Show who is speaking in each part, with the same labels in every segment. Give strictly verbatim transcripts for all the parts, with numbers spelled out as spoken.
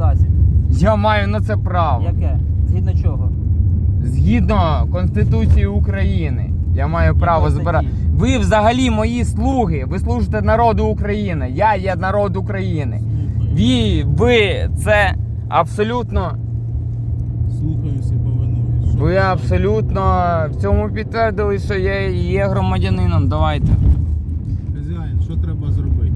Speaker 1: засіб.
Speaker 2: Я маю на це право.
Speaker 1: Яке? Згідно чого?
Speaker 2: Згідно Конституції України. Я маю право
Speaker 1: Якої
Speaker 2: збирати.
Speaker 1: статті?
Speaker 2: Ви взагалі мої слуги. Ви служите народу України. Я є народ України. Ви, ви це абсолютно.
Speaker 3: Слухаюся і повинуюсь. Що
Speaker 2: Ви
Speaker 3: ви
Speaker 2: абсолютно в цьому підтвердили, що я є громадянином. Давайте.
Speaker 3: Хазяїн, що треба зробити?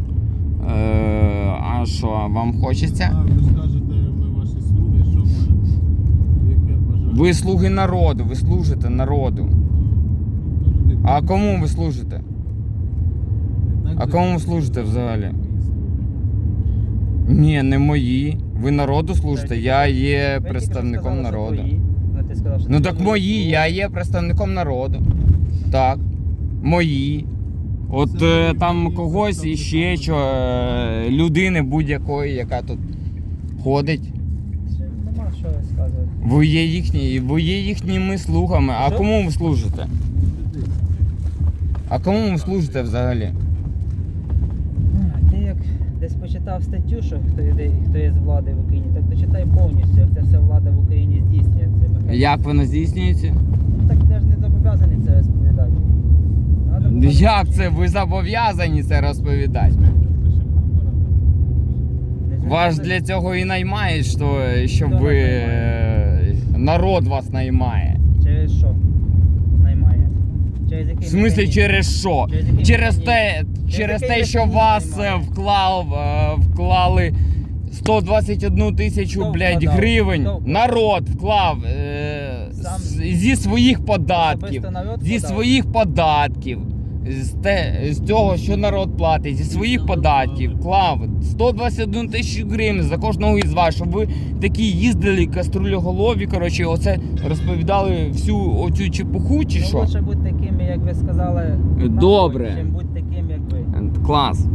Speaker 2: Е, а що, вам хочеться?
Speaker 3: А, ви скажете, ми ваші слуги, що маємо? Яке бажання?
Speaker 2: Ви слуги народу, ви служите народу.
Speaker 3: Завжди
Speaker 2: А
Speaker 3: так.
Speaker 2: кому ви служите?
Speaker 3: Не так
Speaker 2: а
Speaker 3: же
Speaker 2: кому
Speaker 3: ж
Speaker 2: ви служите
Speaker 3: мої
Speaker 2: взагалі?
Speaker 3: слуги.
Speaker 2: Ні, не мої. Ви народу служите, я є
Speaker 1: Ви
Speaker 2: представником
Speaker 1: тільки що сказали,
Speaker 2: народу.
Speaker 1: що твої. Ну, ти сказав, що
Speaker 2: Ну
Speaker 1: це
Speaker 2: так
Speaker 1: твої.
Speaker 2: мої, я є представником народу. Так. Мої. От
Speaker 3: Це
Speaker 2: е,
Speaker 3: мої,
Speaker 2: там
Speaker 3: мої
Speaker 2: когось
Speaker 3: представники
Speaker 2: іще що е, людини будь-якої, яка тут ходить.
Speaker 1: Ще Нема що сказати.
Speaker 2: Ви є їхні, ви є їхніми слугами. А
Speaker 1: Що?
Speaker 2: кому ви служите? А кому ви служите взагалі?
Speaker 1: А, Ти як десь почитав статтю, що хто є, хто є з влади в Україні, так дочитай повністю, як це все влада в Україні здійснює. Цей механізм.
Speaker 2: Як воно здійснюється?
Speaker 1: Ну, так ти ж не зобов'язаний це розповідати. Надо було
Speaker 2: Як
Speaker 1: навчити.
Speaker 2: це? Ви зобов'язані це розповідати?
Speaker 3: Лише автора
Speaker 1: Не
Speaker 2: Вас
Speaker 1: зобов'язаний.
Speaker 2: для цього і наймають, що, щоб
Speaker 1: Хто
Speaker 2: ви...
Speaker 1: нас
Speaker 2: е, Народ вас наймає.
Speaker 1: Через що наймає? Через який
Speaker 2: В смислі
Speaker 1: механізм?
Speaker 2: через що?
Speaker 1: Через який
Speaker 2: Через
Speaker 1: механізм?
Speaker 2: те,
Speaker 1: Через
Speaker 2: через
Speaker 1: який
Speaker 2: те, що
Speaker 1: механізм
Speaker 2: вас е,
Speaker 1: наймає?
Speaker 2: вклав, е, вклали сто двадцять одну тисячу,
Speaker 1: Хто
Speaker 2: блядь,
Speaker 1: вкладав?
Speaker 2: гривень.
Speaker 1: Хто вкладав?
Speaker 2: Народ вклав е,
Speaker 1: Сам?
Speaker 2: з- зі своїх податків.
Speaker 1: Особисто народ
Speaker 2: Зі
Speaker 1: вкладав?
Speaker 2: своїх податків. З, те, з того, що народ платить, зі своїх податків вклав сто двадцять одну тисячу гривень за кожного із вас, щоб ви такі їздили каструлеголові, коротше, оце розповідали всю оцю чепуху чи
Speaker 1: Ну,
Speaker 2: що?
Speaker 1: лучше бути такими, як ви сказали,
Speaker 2: Добре.
Speaker 1: нахуй, чим бути таким, як ви.
Speaker 2: Клас.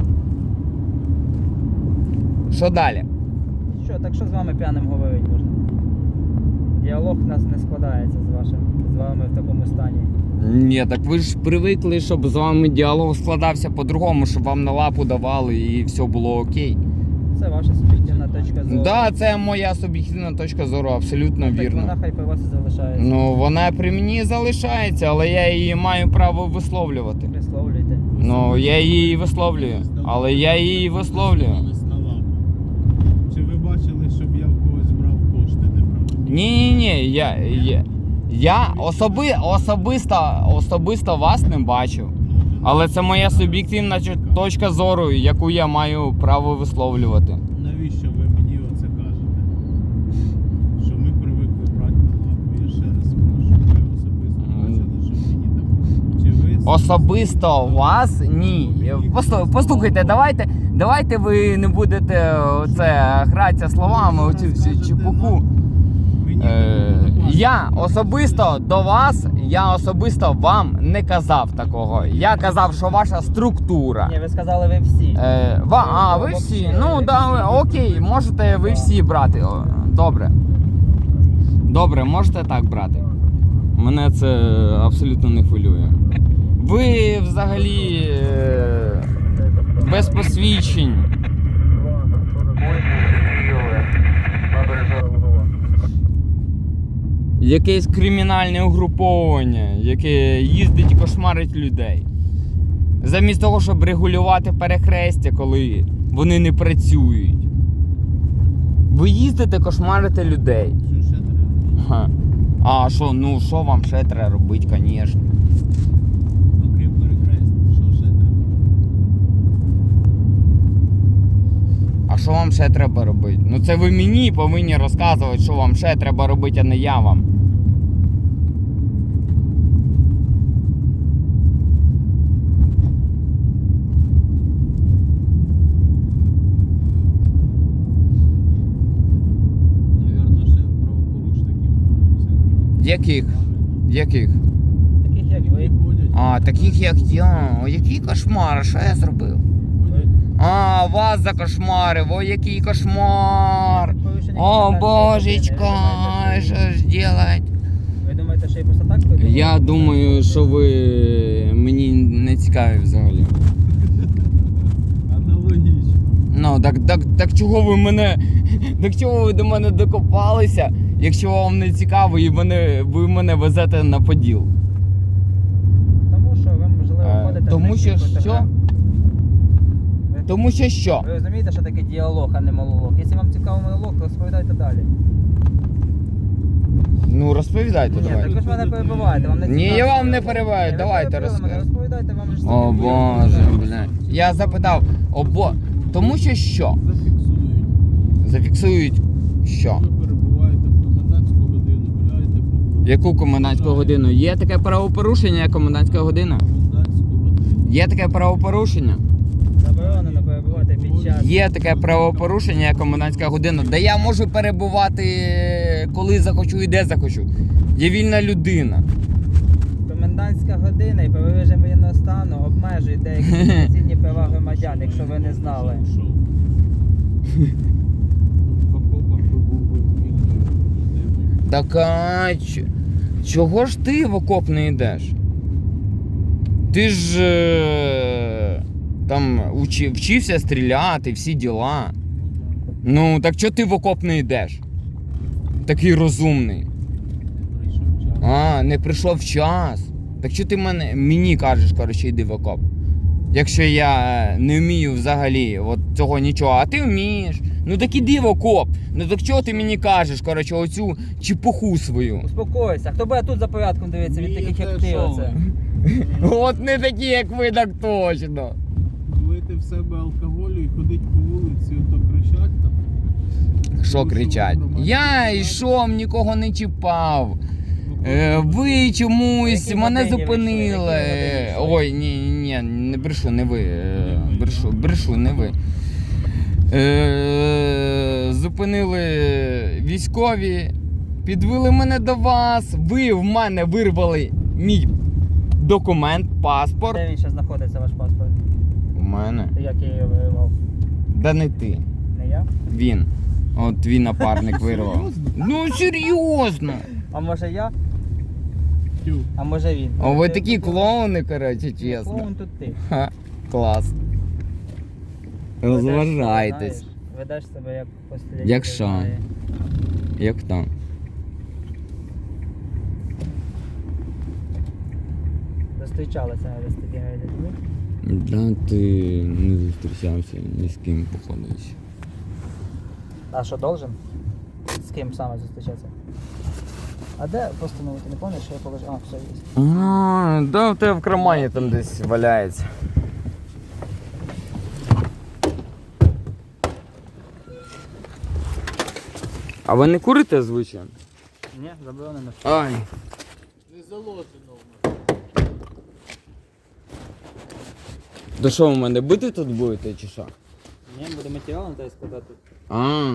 Speaker 2: Що далі?
Speaker 1: Що, так що з вами п'яним говорити можна? Діалог у нас не складається з вашим, з вами в такому стані.
Speaker 2: Ні, так ви ж привикли, щоб з вами діалог складався по-другому, щоб вам на лапу давали і все було окей.
Speaker 1: Це ваша суб'єктивна точка зору.
Speaker 2: Так, да, це моя суб'єктивна точка зору, абсолютно
Speaker 1: Ну, так
Speaker 2: вірно.
Speaker 1: вона хай при вас і залишається.
Speaker 2: Ну, вона при мені залишається, але я її маю право висловлювати.
Speaker 1: Висловлюйте.
Speaker 2: Ну, я її висловлюю, але я її висловлюю.
Speaker 3: Ставились на лапу. Чи ви бачили, щоб я в когось брав кошти неправильно?
Speaker 2: Ні, ні, ні, я, я, я особи, особисто, особисто вас не бачив. Але це моя суб'єктивна чо- точка зору, яку я маю право висловлювати.
Speaker 3: Навіщо ви мені оце кажете? Що ми привикли брати на лапу. Я ще раз прошу, ви особисто бачили, що мені там. Чи ви
Speaker 2: Особисто вас ні. Послу- Послухайте, давайте, давайте ви не будете це гратися словами, оцю всю чепуху.
Speaker 3: Мені
Speaker 2: Е,
Speaker 3: такого не
Speaker 2: я особисто до вас, я особисто вам не казав такого. Я казав, що ваша структура.
Speaker 1: Ні, ви сказали ви всі.
Speaker 2: Е, ва, а, ви всі? Ну, да, ви- окей, можете ви всі брати. О, добре. Добре, можете так брати. Мене це абсолютно не хвилює. Ви взагалі е, без посвідчень. Якесь кримінальне угруповання, яке їздить і кошмарить людей. Замість того, щоб регулювати перехрестя, коли вони не працюють. Ви їздите кошмарите людей.
Speaker 3: Що ще треба?
Speaker 2: Ха. А що, ну що вам ще треба робити, звісно.
Speaker 3: Окрім перехрестя, що ще треба?
Speaker 2: А що вам ще треба робити? Ну це ви мені повинні розказувати, що вам ще треба робити, а не я вам.
Speaker 3: Навірно, ще правопорушників всяких.
Speaker 2: Яких? Яких?
Speaker 1: Таких як ви.
Speaker 3: Ходять.
Speaker 2: А, таких як я. О, який кошмар, що я зробив?
Speaker 3: Ходять.
Speaker 2: А, вас закошмарив, о, який кошмар.
Speaker 1: Порушення
Speaker 2: О,
Speaker 1: комендантської
Speaker 2: божечко,
Speaker 1: години. Ви
Speaker 2: що
Speaker 1: думаєте,
Speaker 2: ж делать?
Speaker 1: Ви думаєте, що я просто так придумав?
Speaker 2: Я думаю, що ви мені не цікаві взагалі.
Speaker 3: Аналогічно.
Speaker 2: Ну, так, так, так чого ви мене Так чого ви до мене докопалися, якщо вам не цікаво і мене, ви мене везете на Поділ?
Speaker 1: Тому що ви, можливо,
Speaker 2: Е,
Speaker 1: ходите... в
Speaker 2: тому що
Speaker 1: нічний
Speaker 2: що?
Speaker 1: фотограф. Ви-
Speaker 2: Тому що що?
Speaker 1: Ви розумієте, що таке діалог, а не монолог? Якщо вам цікавий монолог, то розповідайте далі.
Speaker 2: Ну розповідайте,
Speaker 1: Ні, так
Speaker 2: давайте.
Speaker 1: ви ж мене перебиваєте, вам не
Speaker 2: Ні,
Speaker 1: цікаво.
Speaker 2: я вам не перебиваю,
Speaker 1: Ні, ви
Speaker 2: давайте
Speaker 1: перебили мене,
Speaker 2: розкажіть.
Speaker 1: розповідайте, вам ж
Speaker 2: О
Speaker 1: самі
Speaker 2: боже,
Speaker 1: буде.
Speaker 2: бля. Я запитав, о бо... Тому що що?
Speaker 3: Зафіксують.
Speaker 2: Зафіксують що?
Speaker 3: Ви перебуваєте в комендантську годину, гуляєте по вулиці.
Speaker 2: Яку комендантську годину? Є таке правопорушення, як комендантська година?
Speaker 3: Комендантську годину.
Speaker 2: Є таке правопорушення?
Speaker 1: Заборонено перебувати під час.
Speaker 2: Є таке правопорушення, як комендантська година, де я можу перебувати коли захочу і де захочу. Я вільна людина.
Speaker 1: Комендантська година і правовий режим воєнного стану обмежують деякі конституційні права громадян, якщо ви не знали.
Speaker 3: Шоу. В окопах ви був би вільною людиною.
Speaker 2: Так а ч- чого ж ти в окоп не йдеш? Ти ж е, там учи, вчився стріляти, всі діла. Ну, так чого ти в окоп не йдеш? Такий розумний.
Speaker 3: Прийшов час.
Speaker 2: А, не прийшов час. Так що ти мене, мені кажеш, коротше, йди в окоп. Якщо я не вмію взагалі от цього нічого, а ти вмієш. Ну так іди в окоп. Ну так чого ти мені кажеш, коротше, оцю чепуху свою?
Speaker 1: Успокойся. Хто буде тут за порядком дивитися від таких як ти оце?
Speaker 2: От не такі, як ви, так точно.
Speaker 3: Влити в себе алкоголю і ходить по вулиці, ото кричать там.
Speaker 2: Що кричать? Я йшов, нікого не чіпав. Е, ви чомусь
Speaker 1: Які
Speaker 2: мене
Speaker 1: годині ви
Speaker 2: зупинили.
Speaker 1: йшли? Які годині йшли?
Speaker 2: Ой, ні, ні, не брешу, не ви. Е, Брешу, брешу, не ви. Е, Зупинили військові, підвели мене до вас. Ви в мене вирвали мій документ, паспорт.
Speaker 1: Де він ще знаходиться, ваш паспорт?
Speaker 2: У мене.
Speaker 1: Ти як я його виривав?
Speaker 2: Да не ти.
Speaker 1: Не я?
Speaker 2: Він. От твій напарник вирвав. Ну серйозно.
Speaker 1: А може я?
Speaker 3: Тю.
Speaker 1: А може він?
Speaker 2: О, ви
Speaker 1: Ти-
Speaker 2: такі
Speaker 1: ти-
Speaker 2: клоуни, коротше,
Speaker 1: Ні,
Speaker 2: чесно.
Speaker 1: Клоун тут ти.
Speaker 2: Ха, клас.
Speaker 1: Ведеш себе,
Speaker 2: Розважайтесь.
Speaker 1: знаєш, Ведеш себе як постійно.
Speaker 2: Як що? Як там?
Speaker 1: Зустрічалися десь тоді гайде.
Speaker 2: Да, ти не зустрічався ні з ким, походу. ще.
Speaker 1: А що, должен? З ким саме зустрічатися? А де постановити? Не пам'ятаєш, що я положив? А, все є.
Speaker 2: А, да, у тебе в кармані там десь валяється. А ви не курите, звичайно?
Speaker 1: Ні, заборонено.
Speaker 2: Ай.
Speaker 3: Не заложено в мене.
Speaker 2: То що, ви мене бити тут будете чи що?
Speaker 1: Ні, буде матеріал на тебе складати.
Speaker 2: А,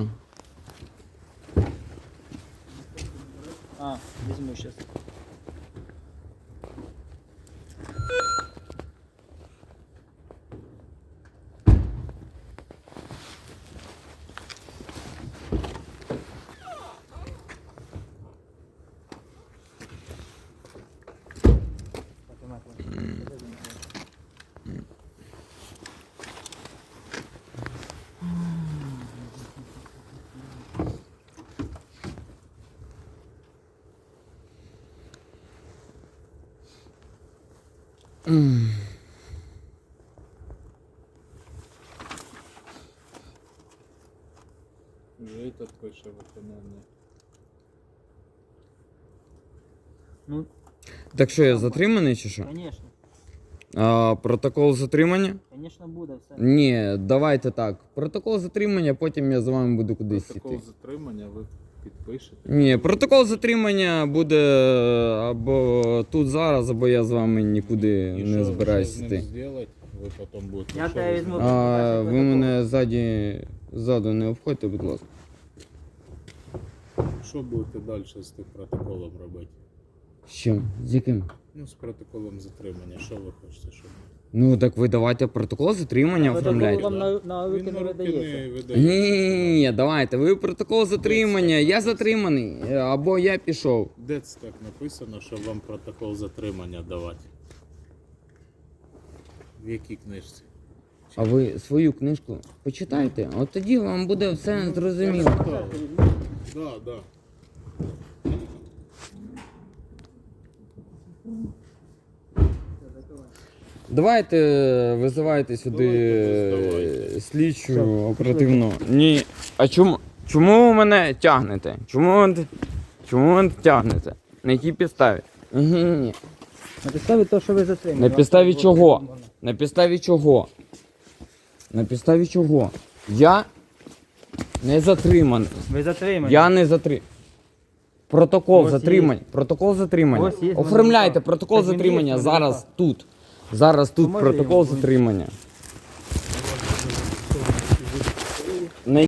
Speaker 1: А, візьму зараз.
Speaker 2: м.
Speaker 3: Вже этот пише виконання.
Speaker 1: Ну,
Speaker 2: Так що, я затриманий чи що?
Speaker 1: звісно.
Speaker 2: А, протокол затримання?
Speaker 1: Звісно, буде все.
Speaker 2: Ні, давайте так. Протокол затримання, потім я з вами буду кудись
Speaker 3: Протокол
Speaker 2: йти.
Speaker 3: затримання ви підпишете.
Speaker 2: Ні, протокол затримання буде або тут зараз, або я з вами нікуди
Speaker 3: І
Speaker 2: не
Speaker 3: що-
Speaker 2: збираюсь
Speaker 3: що з
Speaker 2: йти.
Speaker 3: ним зробити, ви потім будете.
Speaker 1: Я
Speaker 3: що
Speaker 1: тебе
Speaker 3: ви з
Speaker 1: візьму.
Speaker 3: ним?
Speaker 2: А ви мене ззаді, ззаду не обходьте, будь ласка.
Speaker 3: Що будете далі з тим протоколом робити?
Speaker 2: З чим? З яким?
Speaker 3: Ну, з протоколом затримання, що ви хочете, щоб?
Speaker 2: Ну так ви давайте протокол затримання
Speaker 1: Протокол
Speaker 2: оформляйте.
Speaker 1: вам на, на руки
Speaker 3: Він
Speaker 1: не
Speaker 3: на руки
Speaker 1: видається.
Speaker 3: не
Speaker 2: Ні,
Speaker 3: видається.
Speaker 2: ні, ні, давайте. Ви протокол затримання, я затриманий, або я пішов.
Speaker 3: Де це так написано, що вам протокол затримання давати? В якій книжці?
Speaker 2: А ви свою книжку почитайте, от тоді вам буде все зрозуміло.
Speaker 3: Да, да.
Speaker 2: Давайте визивайте сюди
Speaker 3: Давайте,
Speaker 2: слідчу
Speaker 1: Що,
Speaker 2: оперативну. Ні. А чому? Чому ви мене тягнете? Чому ви, чому ви мене тягнете? На якій підставі? Ні-ні-ні.
Speaker 1: На підставі того, що ви затримали.
Speaker 2: На
Speaker 1: Вам
Speaker 2: підставі
Speaker 1: так
Speaker 2: чого?
Speaker 1: було повідомлено.
Speaker 2: На підставі чого? На підставі чого? Я не затриманий.
Speaker 1: Ви затримані.
Speaker 2: Я не затриманий. Протокол
Speaker 1: Ось
Speaker 2: затримання. Протокол затримання.
Speaker 1: Ось є в мене
Speaker 2: Оформляйте
Speaker 1: наказ.
Speaker 2: протокол
Speaker 1: Так він є в
Speaker 2: затримання
Speaker 1: мене
Speaker 2: зараз
Speaker 1: наказ.
Speaker 2: тут. Зараз тут
Speaker 1: Поможе
Speaker 2: протокол
Speaker 1: йому?
Speaker 2: затримання.